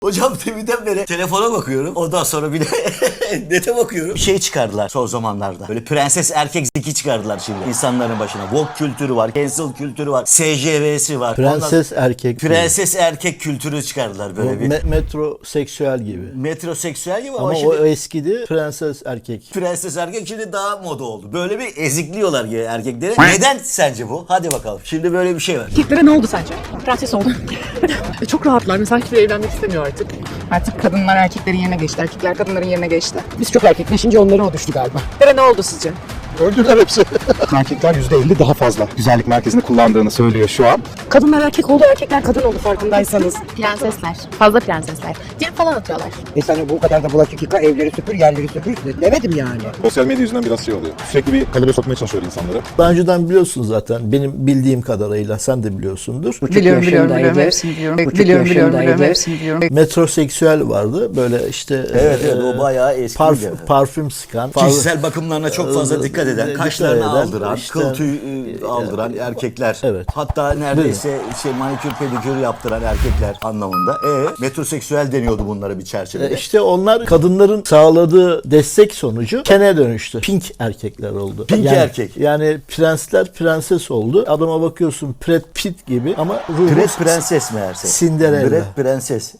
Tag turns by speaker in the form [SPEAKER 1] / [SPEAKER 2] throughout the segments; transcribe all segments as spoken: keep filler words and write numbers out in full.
[SPEAKER 1] Hocam deminden beri telefona bakıyorum. Ondan sonra bir de nete bakıyorum. Bir şey çıkardılar son zamanlarda. Böyle prenses erkek zeki çıkardılar şimdi insanların başına. Woke kültürü var, cancel kültürü var, S J V'si var.
[SPEAKER 2] Prenses
[SPEAKER 1] Ondan...
[SPEAKER 2] erkek.
[SPEAKER 1] Prenses gibi. Erkek kültürü çıkardılar böyle
[SPEAKER 2] Bu
[SPEAKER 1] bir.
[SPEAKER 2] Me- metroseksüel gibi.
[SPEAKER 1] Metroseksüel gibi ama,
[SPEAKER 2] ama
[SPEAKER 1] şimdi...
[SPEAKER 2] o eskidi, prenses erkek.
[SPEAKER 1] Prenses erkek şimdi daha moda oldu. Böyle bir ezikliyorlar ya erkekleri. Neden sence bu? Hadi bakalım. Şimdi böyle bir şey var.
[SPEAKER 3] Erkeklere ne oldu sence? Prenses oldu. e çok rahatlar. Mesela hiçbir evlenmek istemiyor artık. Artık kadınlar erkeklerin yerine geçti. Erkekler kadınların yerine geçti. Biz çok erkekleşince onlara o düştü galiba. Erkeklere ne oldu sizce?
[SPEAKER 4] Öldüler hepsi. Erkekler yüzde elli daha fazla güzellik merkezini kullandığını söylüyor şu an.
[SPEAKER 3] Kadınlar erkek oldu, erkekler kadın oldu farkındaysanız. Prensesler. Fazla prensesler. Cep falan atıyorlar.
[SPEAKER 5] E sana bu kadar da bulaşık yıka, evleri süpür, yerleri süpür demedim yani.
[SPEAKER 4] Sosyal medya yüzünden biraz şey oluyor. Sürekli bir kalebe sokmaya çalışıyor insanları.
[SPEAKER 2] Daha önceden biliyorsun zaten. Benim bildiğim kadarıyla sen de biliyorsundur.
[SPEAKER 3] Biliyorum, biliyorum, biliyorum. Hepsini biliyorum. Biliyorum, biliyorum, biliyorum. Hepsini biliyorum.
[SPEAKER 2] Metroseksüel vardı. Böyle işte
[SPEAKER 1] Evet
[SPEAKER 2] e,
[SPEAKER 1] evet o bayağı eski.
[SPEAKER 2] parfüm, parfüm sıkan.
[SPEAKER 1] Kişisel bakımlarına çok fazla dikkat eden,
[SPEAKER 2] Dikkat
[SPEAKER 1] kaşlarını
[SPEAKER 2] eden,
[SPEAKER 1] aldıran,
[SPEAKER 2] işte-
[SPEAKER 1] kıl tüy e, aldıran erkekler.
[SPEAKER 2] Evet.
[SPEAKER 1] Hatta neredeyse şey manikür pedikür yaptıran erkekler anlamında. E metroseksüel deniyordu bunlara bir çerçevede.
[SPEAKER 2] E, İşte onlar kadınların sağladığı destek sonucu kene dönüştü. Pink erkekler oldu.
[SPEAKER 1] Pink
[SPEAKER 2] yani,
[SPEAKER 1] erkek.
[SPEAKER 2] Yani prensler prenses oldu. Adama bakıyorsun Brad Pitt gibi ama ruhu
[SPEAKER 1] Brett prenses meğerse.
[SPEAKER 2] Cinderella.
[SPEAKER 1] Brett prenses.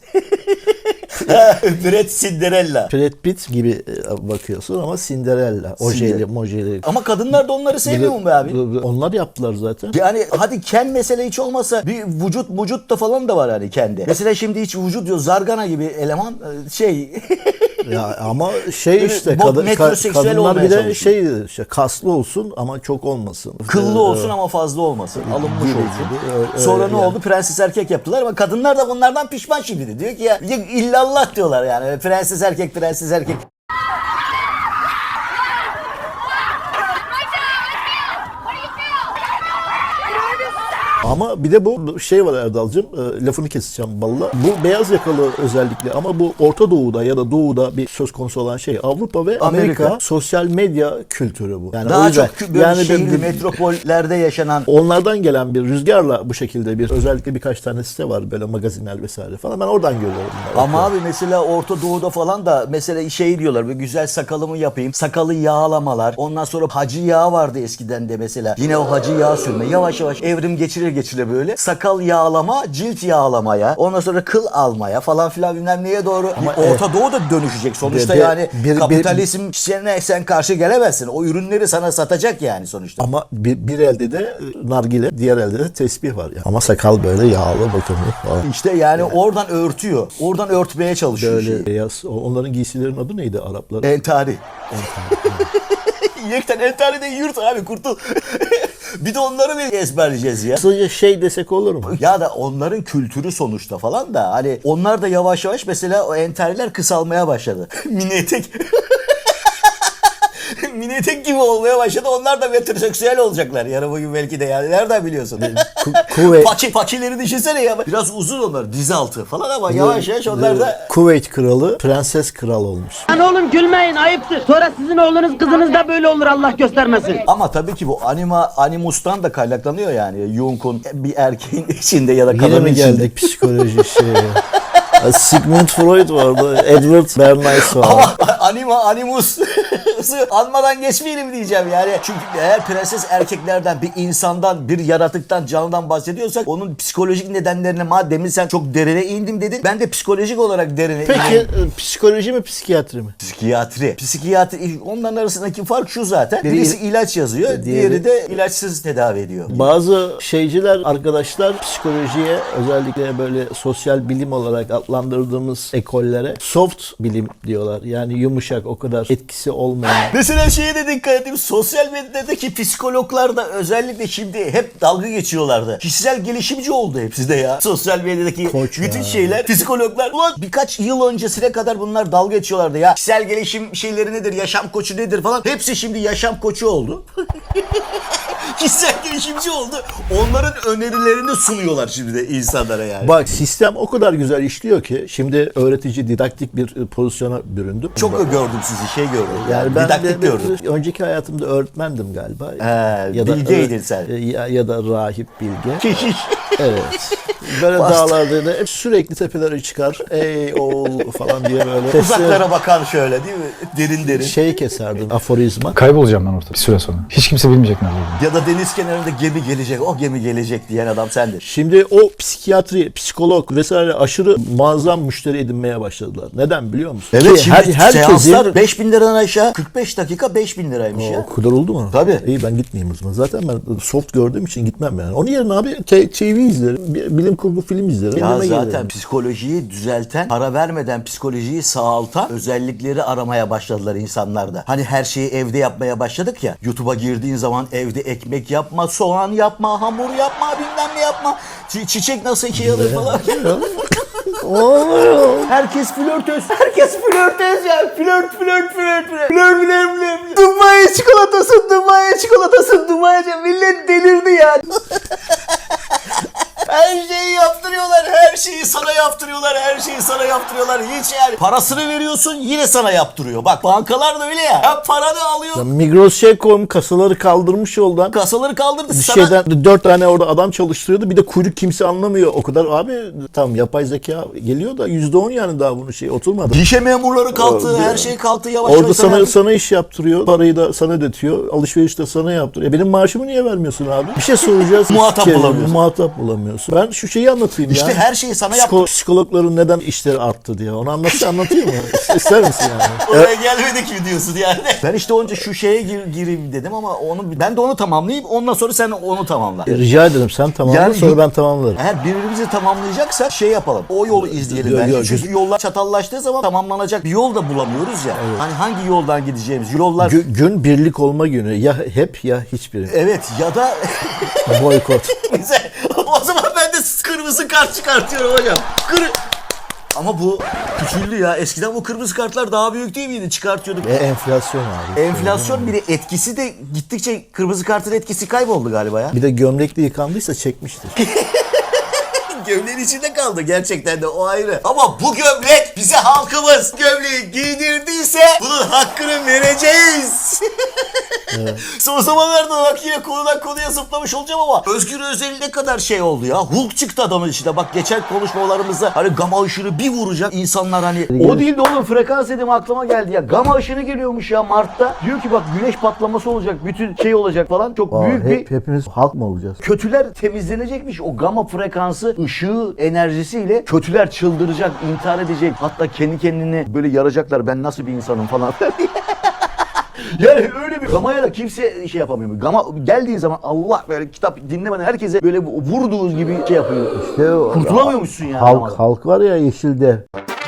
[SPEAKER 1] Brett Cinderella.
[SPEAKER 2] Brad Pitt gibi e, bakıyorsun ama Cinderella. Ojeli,
[SPEAKER 1] Cinder-
[SPEAKER 2] mojeli.
[SPEAKER 1] Ama kadınlar da onları sevmiyor mu be abi?
[SPEAKER 2] Onlar yaptılar zaten.
[SPEAKER 1] Yani hadi ken mesele hiç olmasa bir vücut vücut da falan da var hani kendi. Mesela şimdi hiç vücut diyor zargana gibi eleman e, şey
[SPEAKER 2] Ya ama şey işte
[SPEAKER 1] bu
[SPEAKER 2] kadın,
[SPEAKER 1] metroseksüel
[SPEAKER 2] kadınlar
[SPEAKER 1] olmaya
[SPEAKER 2] bir de
[SPEAKER 1] çalışıyor.
[SPEAKER 2] şey işte kaslı olsun ama çok olmasın.
[SPEAKER 1] kıllı
[SPEAKER 2] Ee,
[SPEAKER 1] olsun ama fazla olmasın. Alınmış
[SPEAKER 2] gibi,
[SPEAKER 1] olsun.
[SPEAKER 2] gibi. Öyle-
[SPEAKER 1] Sonra
[SPEAKER 2] öyle
[SPEAKER 1] ne
[SPEAKER 2] yani.
[SPEAKER 1] oldu? Prenses erkek yaptılar ama kadınlar da bunlardan pişman şimdi de. Diyor ki ya ya illallah diyorlar yani. Prenses erkek, prenses erkek.
[SPEAKER 2] Ama bir de bu şey var Erdal'cığım, e, lafını keseceğim balla. Bu beyaz yakalı özellikle ama bu Orta Doğu'da ya da Doğu'da bir söz konusu olan şey Avrupa ve Amerika,
[SPEAKER 1] Amerika.
[SPEAKER 2] sosyal medya kültürü bu. Yani o
[SPEAKER 1] Daha
[SPEAKER 2] yüzden-
[SPEAKER 1] çok böyle
[SPEAKER 2] yani
[SPEAKER 1] şehirli
[SPEAKER 2] bir-
[SPEAKER 1] metropollerde yaşanan
[SPEAKER 2] onlardan gelen bir rüzgarla bu şekilde bir özellikle birkaç tane site var böyle magazinler vesaire falan. Ben oradan görüyorum. bunları.
[SPEAKER 1] ama abi mesela Orta Doğu'da falan da mesela şey diyorlar bir güzel sakalımı yapayım. Sakalı yağlamalar. Ondan sonra hacı yağı vardı eskiden de mesela. Yine o hacı yağı sürme. Yavaş yavaş evrim geçire geçire böyle. Sakal yağlama, cilt yağlamaya. Ondan sonra kıl almaya falan filan bilmem neye doğru.
[SPEAKER 2] Ama
[SPEAKER 1] Orta Doğu da dönüşecek. Sonuçta
[SPEAKER 2] bir- bir-
[SPEAKER 1] yani
[SPEAKER 2] bir- bir-
[SPEAKER 1] kapitalizm işlerine sen karşı gelemezsin. O ürünleri sana satacak yani sonuçta.
[SPEAKER 2] Ama bir, bir elde de e, nargile, diğer elde de tesbih var ya. Ama sakal böyle yağlı bakımlı falan.
[SPEAKER 1] İşte yani oradan örtüyor. Oradan örtmeye çalışıyor
[SPEAKER 2] Böyle
[SPEAKER 1] şeyi.
[SPEAKER 2] beyaz. Onların giysilerin adı neydi Arapların?
[SPEAKER 1] Entari. Yekten entari de yurt abi kurtul. Bir de onları bir ezberleyeceğiz ya.
[SPEAKER 2] Kısaca şey desek olur mu?
[SPEAKER 1] Ya da onların kültürü sonuçta falan da hani onlar da yavaş yavaş mesela o entariler kısalmaya başladı. Mini etek. Mini etek gibi olmaya başladı. Onlar da metroseksüel olacaklar. Yarın bugün belki de yani. Nereden biliyorsun?
[SPEAKER 2] Ku- kuvvet.
[SPEAKER 1] Paçi, paçileri düşünsene ya. Biraz uzun onlar. Diz altı falan ama yavaş yavaş onlar da...
[SPEAKER 2] Kuveyt kralı, prenses kral olmuş.
[SPEAKER 6] Lan oğlum gülmeyin ayıptır. Sonra sizin oğlunuz kızınız da böyle olur Allah göstermesin.
[SPEAKER 1] Ama tabii ki bu anima animustan da kaynaklanıyor yani. Jung'un bir erkeğin içinde ya da
[SPEAKER 2] Yine
[SPEAKER 1] kadının
[SPEAKER 2] mi
[SPEAKER 1] içinde.
[SPEAKER 2] geldik psikoloji şeye? Sigmund Freud vardı, Edward Bernays vardı.
[SPEAKER 1] Ama anima animus anmadan geçmeyelim diyeceğim yani. Çünkü eğer prenses erkeklerden bir insandan bir yaratıktan canlıdan bahsediyorsak onun psikolojik nedenlerine madem sen çok derine indim dedin. Ben de psikolojik olarak derine
[SPEAKER 2] Peki
[SPEAKER 1] indim.
[SPEAKER 2] e, psikoloji mi psikiyatri mi?
[SPEAKER 1] Psikiyatri. Psikiyatri onların arasındaki fark şu zaten. Birisi ilaç yazıyor,
[SPEAKER 2] diğeri-
[SPEAKER 1] diğeri de ilaçsız tedavi ediyor.
[SPEAKER 2] Bazı şeyciler, arkadaşlar psikolojiye özellikle böyle sosyal bilim olarak adlandırdığımız ekollere soft bilim diyorlar. Yani yumuşak, o kadar etkisi olmayan.
[SPEAKER 1] Mesela şeye de dikkat edeyim. Sosyal medyadaki psikologlar da özellikle şimdi hep dalga geçiyorlardı. Kişisel gelişimci oldu hepsi de ya. Sosyal medyadaki
[SPEAKER 2] Koç
[SPEAKER 1] bütün
[SPEAKER 2] ya.
[SPEAKER 1] şeyler. Psikologlar. Ulan birkaç yıl öncesine kadar bunlar dalga geçiyorlardı ya. Kişisel gelişim şeyleri nedir? Yaşam koçu nedir falan. Hepsi şimdi yaşam koçu oldu. Kişisel gelişimci oldu. Onların önerilerini sunuyorlar şimdi de insanlara yani.
[SPEAKER 2] Bak sistem o kadar güzel işliyor ki şimdi öğretici, didaktik bir e, pozisyona büründüm.
[SPEAKER 1] Çok mı gördüm sizi şey gördüm. Yani,
[SPEAKER 2] Yani ben
[SPEAKER 1] didaktik
[SPEAKER 2] de,
[SPEAKER 1] gördüm.
[SPEAKER 2] önceki hayatımda öğretmendim galiba.
[SPEAKER 1] He,
[SPEAKER 2] ya da
[SPEAKER 1] bilgeydin sen.
[SPEAKER 2] Ya, ya da rahip bilge.
[SPEAKER 1] Keşiş.
[SPEAKER 2] Evet. Böyle
[SPEAKER 1] Bastı.
[SPEAKER 2] dağlarda da hep sürekli tepelere çıkar. Ey oğul falan diye böyle.
[SPEAKER 1] Uzaklara bakan şöyle değil mi? Derin derin.
[SPEAKER 2] Şey keserdim aforizma.
[SPEAKER 4] Kaybolacağım ben ortada bir süre sonra. Hiç kimse bilmeyecek nerede olduğumu.
[SPEAKER 1] Ya da deniz kenarında gemi gelecek, o gemi gelecek diyen adam sendin.
[SPEAKER 2] Şimdi o psikiyatri, psikolog vesaire aşırı muazzam müşteri edinmeye başladılar. Neden biliyor musun?
[SPEAKER 1] Evet,
[SPEAKER 2] Ki
[SPEAKER 1] şimdi
[SPEAKER 2] her, herkesin...
[SPEAKER 1] seanslar beş bin liradan aşağı kırk beş dakika beş bin liraymış ya.
[SPEAKER 2] O kadar oldu mu?
[SPEAKER 1] Tabii.
[SPEAKER 2] İyi ben gitmeyeyim o zaman. Zaten ben soft gördüğüm için gitmem yani. Onun yerine abi T V izlerim. bir Bilim kurgu film izlerim.
[SPEAKER 1] Ya
[SPEAKER 2] Yemeğe
[SPEAKER 1] zaten
[SPEAKER 2] gelirim.
[SPEAKER 1] psikolojiyi düzelten, para vermeden psikolojiyi sağaltan özellikleri aramaya başladılar insanlar da. Hani her şeyi evde yapmaya başladık ya. YouTube'a girdiğin zaman evde ekmek yapma, soğan yapma, hamur yapma, bilmem ne yapma. Çi- çiçek nasıl iki alır falan. Herkes flörtöz. Herkes flörtöz ya. Flört, flört, flört, flört. Flört, flört, flört. Dubai çikolatasın, Dubai çikolatasın, Dubai. Millet delirdi ya. Her şeyi yaptırıyorlar, her şeyi sana yaptırıyorlar, her şeyi sana yaptırıyorlar. Hiç yani parasını veriyorsun yine sana yaptırıyor. Bak bankalar da öyle ya. Ya paranı alıyor,
[SPEAKER 2] Ya Migros şey koymuş, kasaları kaldırmış yoldan.
[SPEAKER 1] kasaları kaldırdı
[SPEAKER 2] Bir
[SPEAKER 1] sana.
[SPEAKER 2] şeyden dört tane orada adam çalıştırıyordu. Bir de kuyruk kimse anlamıyor. O kadar abi tamam yapay zeka geliyor da yüzde on yani daha bunu şey oturmadı.
[SPEAKER 1] Gişe memurları kalktı, her şey kalktı yavaş
[SPEAKER 2] Orada
[SPEAKER 1] yavaş.
[SPEAKER 2] sana sana iş yaptırıyor. Parayı da sana ödetiyor. Alışveriş de sana yaptırıyor. E benim maaşımı niye vermiyorsun abi? Bir şey soracağız.
[SPEAKER 1] Muhatap
[SPEAKER 2] Kere-
[SPEAKER 1] bulamıyorsun.
[SPEAKER 2] Muhatap bulamıyorsun. Ben şu şeyi anlatayım ya.
[SPEAKER 1] İşte her şeyi sana
[SPEAKER 2] Psiko-
[SPEAKER 1] yaptı.
[SPEAKER 2] Psikologların neden işleri arttı diye. Onu anlatsa anlatayım mı? İster misin yani?
[SPEAKER 1] Oraya gelmedik mi diyorsun yani? Ben işte önce şu şeye gir, gireyim dedim ama onu ben de onu tamamlayayım. Ondan sonra sen onu tamamla.
[SPEAKER 2] E, Rica ederim sen tamamla
[SPEAKER 1] Yani-
[SPEAKER 2] sonra ben tamamlarım.
[SPEAKER 1] Eğer birbirimizi tamamlayacaksak şey yapalım. O yolu izleyelim
[SPEAKER 2] Yo-
[SPEAKER 1] bence.
[SPEAKER 2] yo-
[SPEAKER 1] Çünkü yollar çatallaştığı zaman tamamlanacak bir yol da bulamıyoruz ya. Hani hangi yoldan gideceğimiz yollar...
[SPEAKER 2] Gü- gün birlik olma günü. Ya hep ya hiçbiri.
[SPEAKER 1] Evet ya da...
[SPEAKER 2] Boykot.
[SPEAKER 1] Güzel. O zaman ben de kırmızı kart çıkartıyorum hocam. Kır... Ama bu küçüldü ya. Eskiden bu kırmızı kartlar daha büyük değil miydi? Çıkartıyorduk.
[SPEAKER 2] E, enflasyon abi.
[SPEAKER 1] Enflasyon bir de etkisi de gittikçe kırmızı kartın etkisi kayboldu galiba ya.
[SPEAKER 2] Bir de gömlekli yıkandıysa çekmiştir.
[SPEAKER 1] Gömleğin içinde kaldı gerçekten de o ayrı. Ama bu gömlek bize halkımız gömleği giydirdiyse bunun hakkını vereceğiz. Evet. Son zamanlarda bak yine konudan konuya zıplamış olacağım ama Özgür Özel ne kadar şey oldu ya. Hulk çıktı adamın içinde. Bak geçen konuşmalarımızda hani gama ışını bir vuracak insanlar hani. O değil de oğlum frekans dedim aklıma geldi ya. Gama ışını geliyormuş ya Mart'ta. Diyor ki bak güneş patlaması olacak. Bütün şey olacak falan. Çok
[SPEAKER 2] Aa,
[SPEAKER 1] büyük
[SPEAKER 2] hep,
[SPEAKER 1] bir...
[SPEAKER 2] hepimiz halk mı olacağız?
[SPEAKER 1] Kötüler temizlenecekmiş. O gama frekansı ışığı enerjisiyle kötüler çıldıracak, intihar edecek. Hatta kendi kendini böyle yaracaklar. Ben nasıl bir insanım falan. Yani öyle bir gamaya da kimse şey yapamıyor. Gama geldiği zaman Allah böyle kitap dinlemeden herkese böyle vurduğunuz gibi şey yapıyor.
[SPEAKER 2] İşte o-
[SPEAKER 1] Kurtulamıyormuşsun yani.
[SPEAKER 2] Halk,
[SPEAKER 1] gamadan.
[SPEAKER 2] halk var ya yeşilde.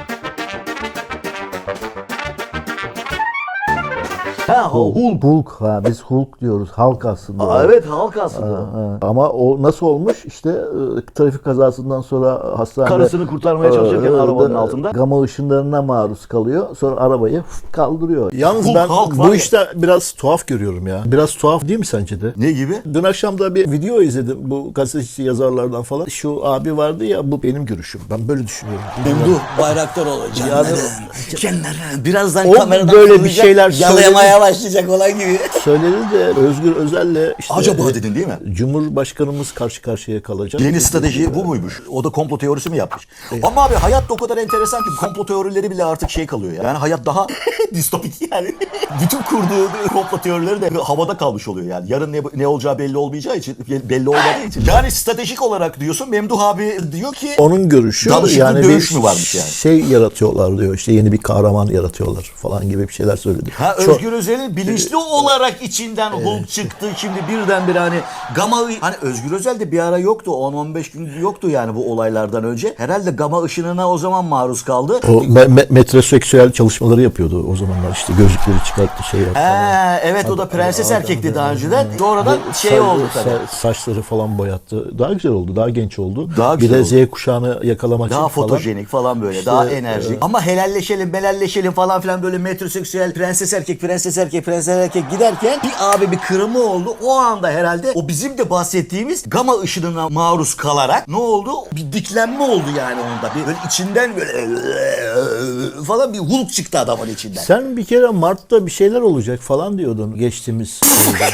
[SPEAKER 1] Ha, Hulk.
[SPEAKER 2] Hulk ha biz Hulk diyoruz. Halk aslında.
[SPEAKER 1] Aa, evet halk aslında.
[SPEAKER 2] Ha, ama o nasıl olmuş? İşte e, trafik kazasından sonra hastanede
[SPEAKER 1] Karısını kurtarmaya çalışırken
[SPEAKER 2] e,
[SPEAKER 1] arabanın
[SPEAKER 2] da-
[SPEAKER 1] altında.
[SPEAKER 2] Gama ışınlarına maruz kalıyor. Sonra arabayı fıt kaldırıyor. Yalnız
[SPEAKER 1] Hulk,
[SPEAKER 2] ben
[SPEAKER 1] Hulk var
[SPEAKER 2] bu
[SPEAKER 1] ya.
[SPEAKER 2] işte biraz tuhaf görüyorum ya. Biraz tuhaf değil mi sence de?
[SPEAKER 1] Ne gibi?
[SPEAKER 2] Dün akşam da bir video izledim bu gazeteci yazarlardan falan. Şu abi vardı ya bu benim görüşüm. Ben böyle düşünüyorum.
[SPEAKER 1] Memduh Bayraktar olacak. Yani, birazdan
[SPEAKER 2] O
[SPEAKER 1] kameradan
[SPEAKER 2] böyle bir
[SPEAKER 1] fırlayacak,
[SPEAKER 2] şeyler
[SPEAKER 1] yalayamaya başlayacak olan gibi.
[SPEAKER 2] Söyledi de Özgür Özel'le işte
[SPEAKER 1] Acaba
[SPEAKER 2] e,
[SPEAKER 1] dedin değil mi?
[SPEAKER 2] Cumhurbaşkanımız karşı karşıya kalacak.
[SPEAKER 1] Yeni strateji bu muymuş? O da komplo teorisi mi yapmış? Ama abi hayat da o kadar enteresan ki komplo teorileri bile artık şey kalıyor ya. Yani hayat daha distopik yani. Bütün kurduğu komplo teorileri de havada kalmış oluyor yani. Yarın ne, ne olacağı belli olmayacağı için, belli olmadığı için. Yani stratejik olarak diyorsun Memduh abi diyor ki
[SPEAKER 2] Onun görüşü
[SPEAKER 1] Danışıklı
[SPEAKER 2] yani
[SPEAKER 1] dövüş
[SPEAKER 2] bir
[SPEAKER 1] mü varmış yani?
[SPEAKER 2] şey yaratıyorlar diyor. İşte yeni bir kahraman yaratıyorlar falan gibi bir şeyler söyledi.
[SPEAKER 1] Ha,
[SPEAKER 2] Çok-
[SPEAKER 1] Özgür Özel'in bilinçli olarak içinden Hulk çıktı. Şimdi birdenbire hani gama hani Özgür Özel de bir ara yoktu. on on beş gün yoktu yani bu olaylardan önce. Herhalde gama ışınına o zaman maruz kaldı.
[SPEAKER 2] o me- me- metroseksüel çalışmaları yapıyordu o zamanlar işte gözlükleri çıkarttı şey yaptı.
[SPEAKER 1] He, evet o da prenses erkekti daha önceden. Sonradan şey
[SPEAKER 2] Sa-
[SPEAKER 1] oldu tabii.
[SPEAKER 2] sa- saçları falan boyattı. Daha güzel oldu. Daha genç oldu.
[SPEAKER 1] Daha
[SPEAKER 2] bir
[SPEAKER 1] güzel
[SPEAKER 2] de
[SPEAKER 1] oldu.
[SPEAKER 2] Z kuşağını yakalamak
[SPEAKER 1] Daha
[SPEAKER 2] için falan.
[SPEAKER 1] fotojenik falan böyle.
[SPEAKER 2] İşte,
[SPEAKER 1] daha enerjik.
[SPEAKER 2] e,
[SPEAKER 1] Ama helalleşelim, melalleşelim falan filan böyle metroseksüel prenses erkek, prenses erkek, prenses erkek giderken bir abi bir kırımı oldu. O anda herhalde o bizim de bahsettiğimiz gama ışınına maruz kalarak ne oldu? Bir diklenme oldu yani onda. Bir böyle içinden böyle falan bir Hulk çıktı adamın içinden.
[SPEAKER 2] Sen bir kere Mart'ta bir şeyler olacak falan diyordun geçtiğimiz yılda.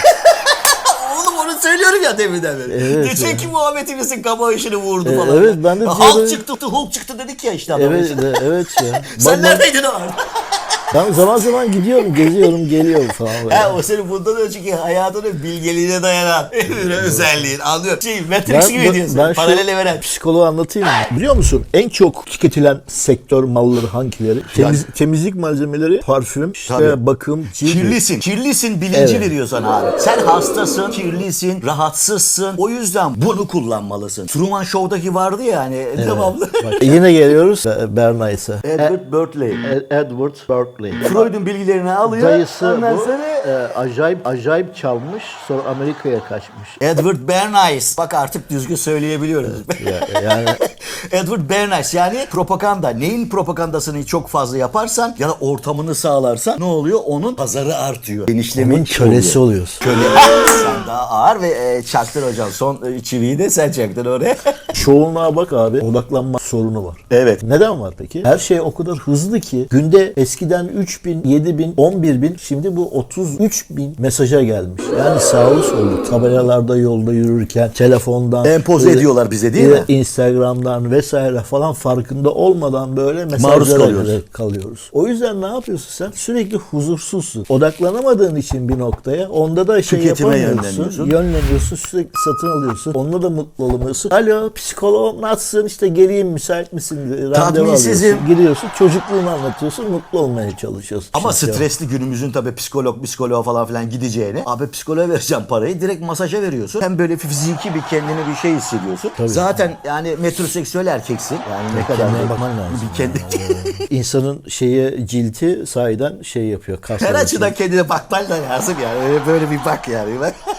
[SPEAKER 1] Oğlum onu söylüyorum ya deminden beri.
[SPEAKER 2] Evet,
[SPEAKER 1] Geçenki muhabbetimizin kamuoyunu vurdu
[SPEAKER 2] E,
[SPEAKER 1] falan.
[SPEAKER 2] evet, ben de
[SPEAKER 1] Hulk
[SPEAKER 2] diyorum-
[SPEAKER 1] çıktı, Hulk çıktı dedik ya işte adamın
[SPEAKER 2] Evet,
[SPEAKER 1] içinden.
[SPEAKER 2] de- evet ya.
[SPEAKER 1] Sen
[SPEAKER 2] Ben-
[SPEAKER 1] neredeydin o arada?
[SPEAKER 2] Ben zaman zaman gidiyorum, geziyorum, geliyorum falan böyle.
[SPEAKER 1] Ha, o senin bundan önceki hayatının bilgeliğine dayanan bir özelliğin. Anlıyorum. Şey, Matrix gibi
[SPEAKER 2] ben,
[SPEAKER 1] diyorsun.
[SPEAKER 2] ben
[SPEAKER 1] Paralel
[SPEAKER 2] şu
[SPEAKER 1] evren.
[SPEAKER 2] psikoloğu anlatayım mı? Biliyor musun en çok tüketilen sektör malları hangileri? Temiz, temizlik malzemeleri, parfüm, işte
[SPEAKER 1] Tabii.
[SPEAKER 2] bakım, cilt.
[SPEAKER 1] Kirlisin. Kirlisin bilinci
[SPEAKER 2] Evet.
[SPEAKER 1] veriyor sana abi. Sen hastasın, kirlisin, rahatsızsın. O yüzden bunu kullanmalısın. Truman Show'daki vardı ya hani devamlı.
[SPEAKER 2] Bak, yine geliyoruz Be- Bernays'a.
[SPEAKER 1] Edward Berkeley.
[SPEAKER 2] E- Edward Berkeley.
[SPEAKER 1] Freud'un bilgilerini alıyor.
[SPEAKER 2] Dayısı
[SPEAKER 1] Ondan
[SPEAKER 2] bu.
[SPEAKER 1] sonra
[SPEAKER 2] e, acayip acayip çalmış. Sonra Amerika'ya kaçmış.
[SPEAKER 1] Edward Bernays. Bak artık düzgün söyleyebiliyoruz.
[SPEAKER 2] Ya- yani
[SPEAKER 1] Edward Bernays yani propaganda. Neyin propagandasını çok fazla yaparsan ya da ortamını sağlarsan ne oluyor? Onun pazarı artıyor. Genişleme
[SPEAKER 2] onun kölesi
[SPEAKER 1] oluyor.
[SPEAKER 2] oluyorsun.
[SPEAKER 1] Köle. Sen daha ağır ve e, çaktır hocam. Son e, çiviyi de sen çaktın oraya.
[SPEAKER 2] Çoğunluğa bak abi, odaklanma sorunu var.
[SPEAKER 1] Evet.
[SPEAKER 2] Neden var peki? Her şey o kadar hızlı ki günde eskiden üç bin, yedi bin, on bir bin, şimdi bu otuz üç bin mesaja gelmiş. Yani sağlı sollu tabelalarda yolda yürürken telefondan
[SPEAKER 1] Empoze
[SPEAKER 2] böyle-
[SPEAKER 1] ediyorlar bize değil
[SPEAKER 2] bir
[SPEAKER 1] mi?
[SPEAKER 2] de Instagram'dan vesaire falan farkında olmadan böyle
[SPEAKER 1] Maruz
[SPEAKER 2] mesajlara
[SPEAKER 1] kalıyoruz.
[SPEAKER 2] göre kalıyoruz. O yüzden ne yapıyorsun sen? Sürekli huzursuzsun. Odaklanamadığın için bir noktaya onda da şey
[SPEAKER 1] Tüketime
[SPEAKER 2] yapamıyorsun.
[SPEAKER 1] yönleniyorsun.
[SPEAKER 2] Yönleniyorsun, sürekli satın alıyorsun. Onunla da mutlu olamıyorsun. Alo psikoloğum nasılsın? İşte geleyim müsait misin? Randevu
[SPEAKER 1] Tatminsizim.
[SPEAKER 2] alıyorsun. Giriyorsun çocukluğunu anlatıyorsun. Mutlu olmaya çalışıyorsun.
[SPEAKER 1] Ama
[SPEAKER 2] Şimdi
[SPEAKER 1] stresli günümüzün tabii psikolog, psikoloğa falan filan gideceğini abi psikoloğa vereceğim parayı direkt masaja veriyorsun. Hem böyle fiziki bir kendine bir şey hissediyorsun. Zaten yani metroseksüel erkeksin. Yani ne kadar
[SPEAKER 2] kendine
[SPEAKER 1] da-
[SPEAKER 2] bakman lazım.
[SPEAKER 1] Bir kendi
[SPEAKER 2] İnsanın şeye cilti sahiden şey yapıyor.
[SPEAKER 1] her
[SPEAKER 2] kaslar
[SPEAKER 1] açıdan kendine bakman da lazım yani. Öyle böyle bir bak yani.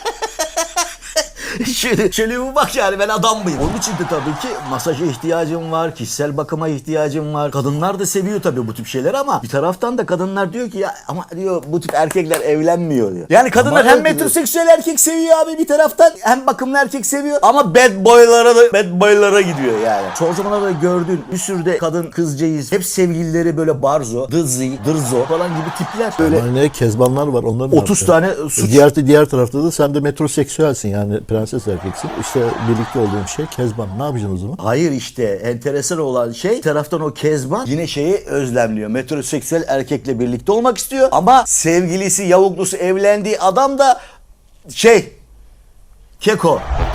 [SPEAKER 1] şöyle, şöyle bir bak yani ben adam mıyım? Onun için de tabii ki masaja ihtiyacım var, kişisel bakıma ihtiyacım var. Kadınlar da seviyor tabii bu tip şeyler ama bir taraftan da kadınlar diyor ki ya ama diyor bu tip erkekler evlenmiyor diyor. Yani kadınlar
[SPEAKER 2] Ama
[SPEAKER 1] hem
[SPEAKER 2] evet,
[SPEAKER 1] metroseksüel erkek seviyor abi bir taraftan hem bakımlı erkek seviyor ama bad boylara da bad boylara gidiyor yani. Son zamanlarda gördüğün bir sürü de kadın kızcağız hep sevgilileri böyle barzo, dızzi, dırzo falan gibi tipler. Böyle
[SPEAKER 2] Ama ne kezbanlar var onların.
[SPEAKER 1] otuz tane suç.
[SPEAKER 2] Diğer diğer tarafta da sen de metroseksüelsin yani prenses erkeksin. İşte birlikte olduğun şey kezban. Ne yapacaksın o zaman?
[SPEAKER 1] Hayır işte enteresan olan şey bir taraftan o kezban yine şeyi özlemliyor. Metroseksüel erkekle birlikte olmak istiyor ama sevgilisi yavuklusu evlendiği adam da şey keko.